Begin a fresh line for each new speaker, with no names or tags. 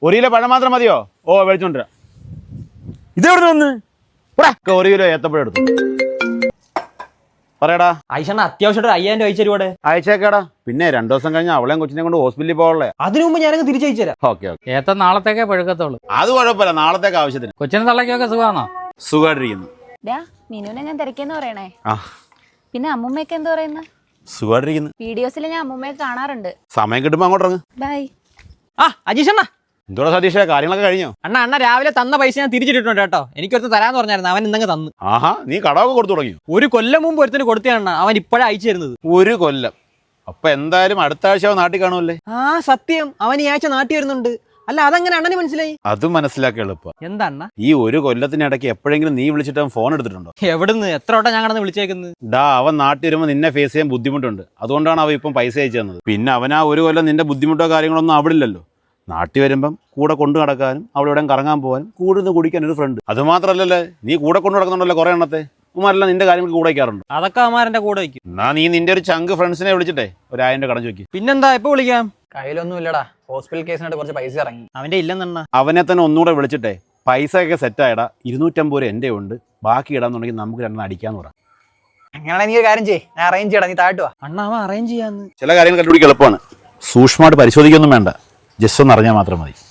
1 kilo പഴം മാത്രം മതിയോ? ഓ മേടിച്ചോണ്ടിരാ. ഇതെവിടെ വന്ന്? 1 കിലോ ഏത്തപ്പഴം എടുത്തു. പറയടാ.
ഐഷണ്ണ അത്യാവശ്യമായിട്ട് 5000 അയച്ചു തരുവാടെ.
അയച്ചേക്കാടാ. പിന്നെ 2 ദിവസം കഴിഞ്ഞ് അവളെയും കൊച്ചിനെ കൊണ്ട് ഹോസ്പിറ്റലിൽ പോകണല്ലേ.
അതിനു മുമ്പ് ഞാനങ്ങ് തിരിച്ചയച്ചു തരാം.
Okay okay.
ഏത്ത നാളത്തേക്കേ പഴുക്കത്തുള്ളൂ.
അത് കുഴപ്പമില്ല, നാളത്തേക്ക് ആവശ്യത്തിന്.
കൊച്ചിനും തള്ളയ്ക്കൊക്കെ സുഖമാണോ?
സുഖമായിട്ടിരിക്കുന്നു.
മീനുവിനെ ഞാൻ തിരക്കിയെന്ന് പറയണേ.
ആ
പിന്നെ അമ്മൂമ്മയൊക്കെ എന്താ പറയുന്നത്?
സുഖമായിട്ടിരിക്കുന്നു.
വീഡിയോസിൽ ഞാൻ അമ്മൂമ്മയെ കാണാറുണ്ട്.
സമയം കിട്ടുമ്പോ അങ്ങോട്ട് ഇറങ്ങ്.
ബൈ.
അജീഷണ്ണ
എന്തോടാ സതീഷേ, കാര്യങ്ങളൊക്കെ കഴിഞ്ഞോ?
അണ്ണ രാവിലെ തന്ന പൈസ ഞാൻ തിരിച്ചിട്ടുണ്ട് കേട്ടോ. എനിക്കൊരുത്ത് തരാന്ന് പറഞ്ഞായിരുന്നു, അവൻ ഇന്നങ്ങ് തന്നു.
ആഹാ, നീ കടമൊക്കെ കൊടുത്തു തുടങ്ങിയോ?
1 കൊല്ലം മുമ്പ് ഒരുത്തിന് കൊടുത്തതാണ്, അവൻ ഇപ്പോഴാണ് അയച്ചു തരുന്നത്.
1 കൊല്ലം. അപ്പൊ എന്തായാലും അടുത്ത ആഴ്ച അവൻ നാട്ടിൽ കാണുമല്ലേ?
സത്യം, അവൻ ഈ ആഴ്ച നാട്ടിൽ വരുന്നുണ്ട്. അല്ല, അതെങ്ങനെ അണ്ണന് മനസ്സിലായി?
അത് മനസ്സിലാക്കി എളുപ്പം.
എന്താ അണ്ണ?
ഈ 1 കൊല്ലത്തിനിടയ്ക്ക് എപ്പോഴെങ്കിലും നീ വിളിച്ചിട്ട് അവൻ ഫോൺ എടുത്തിട്ടുണ്ടോ?
എവിടുന്ന്? എത്ര വട്ടം ഞാൻ കടന്ന് വിളിച്ചേക്കുന്നത്?
അവൻ നാട്ടിൽ വരുമ്പോൾ നിന്നെ ഫേസ് ചെയ്യാൻ ബുദ്ധിമുട്ടുണ്ട്. അതുകൊണ്ടാണ് അവൻ ഇപ്പം പൈസ അയച്ചു തന്നത്. പിന്നെ അവൻ ആ 1 കൊല്ലം നിന്റെ ബുദ്ധിമുട്ടോ കാര്യങ്ങളൊന്നും അവിടില്ലല്ലോ. നാട്ടിൽ വരുമ്പം കൂടെ കൊണ്ടു നടക്കാനും അവിടെ ഇവിടെ കറങ്ങാൻ പോകാനും കൂടുതൽ കുടിക്കാൻ ഒരു ഫ്രണ്ട്. അത് മാത്രമല്ലല്ലേ, നീ കൂടെ കൊണ്ടു നടക്കുന്നുണ്ടല്ലോ കുറേ എണ്ണത്തെ. ഉമാരെല്ലാം നിന്റെ കാര്യങ്ങൾക്ക് കൂടെ വയ്ക്കാറുണ്ട്.
അതൊക്കെ അവന്മാരെന്റെ കൂടെ വയ്ക്കും.
എന്നാ നീ നിന്റെ ഒരു ചങ്ക് ഫ്രണ്ട്സിനെ വിളിച്ചിട്ടേ 1000 കടം ചോദിക്കും.
പിന്നെന്താ, ഇപ്പൊ വിളിക്കാം.
കയ്യിലൊന്നും ഇല്ലടാ, ഹോസ്പിറ്റൽ കേസിനായിട്ട് കുറച്ച് പൈസ ഇറങ്ങി.
അവന്റെ ഇല്ലെന്നെണ്ണ.
അവനെ തന്നെ ഒന്നുകൂടെ വിളിച്ചിട്ടെ പൈസ ഒക്കെ സെറ്റായിടാ. 250 എൻ്റെ ഉണ്ട്, ബാക്കി ഇടാന്നുണ്ടെങ്കിൽ നമുക്ക് 2 അടിക്കാന്ന് പറ.
അങ്ങനെയാണെങ്കിൽ നീ ഒരു കാര്യം ചെയ്യ്, ഞാൻ അറേഞ്ച് ചെയ്യടാ, നീ താഴ്ത്തു വാ.
അണ്ണ അവൻ അറേഞ്ച് ചെയ്യാന്ന്.
ചില കാര്യങ്ങൾ കണ്ടുപിടിക്കാൻ എളുപ്പമാണ്. സൂക്ഷ്മമായിട്ട് പരിശോധിക്കൊന്നും വേണ്ട, ജസ്റ്റ് ഒന്ന് അറിഞ്ഞാൽ മാത്രം മതി.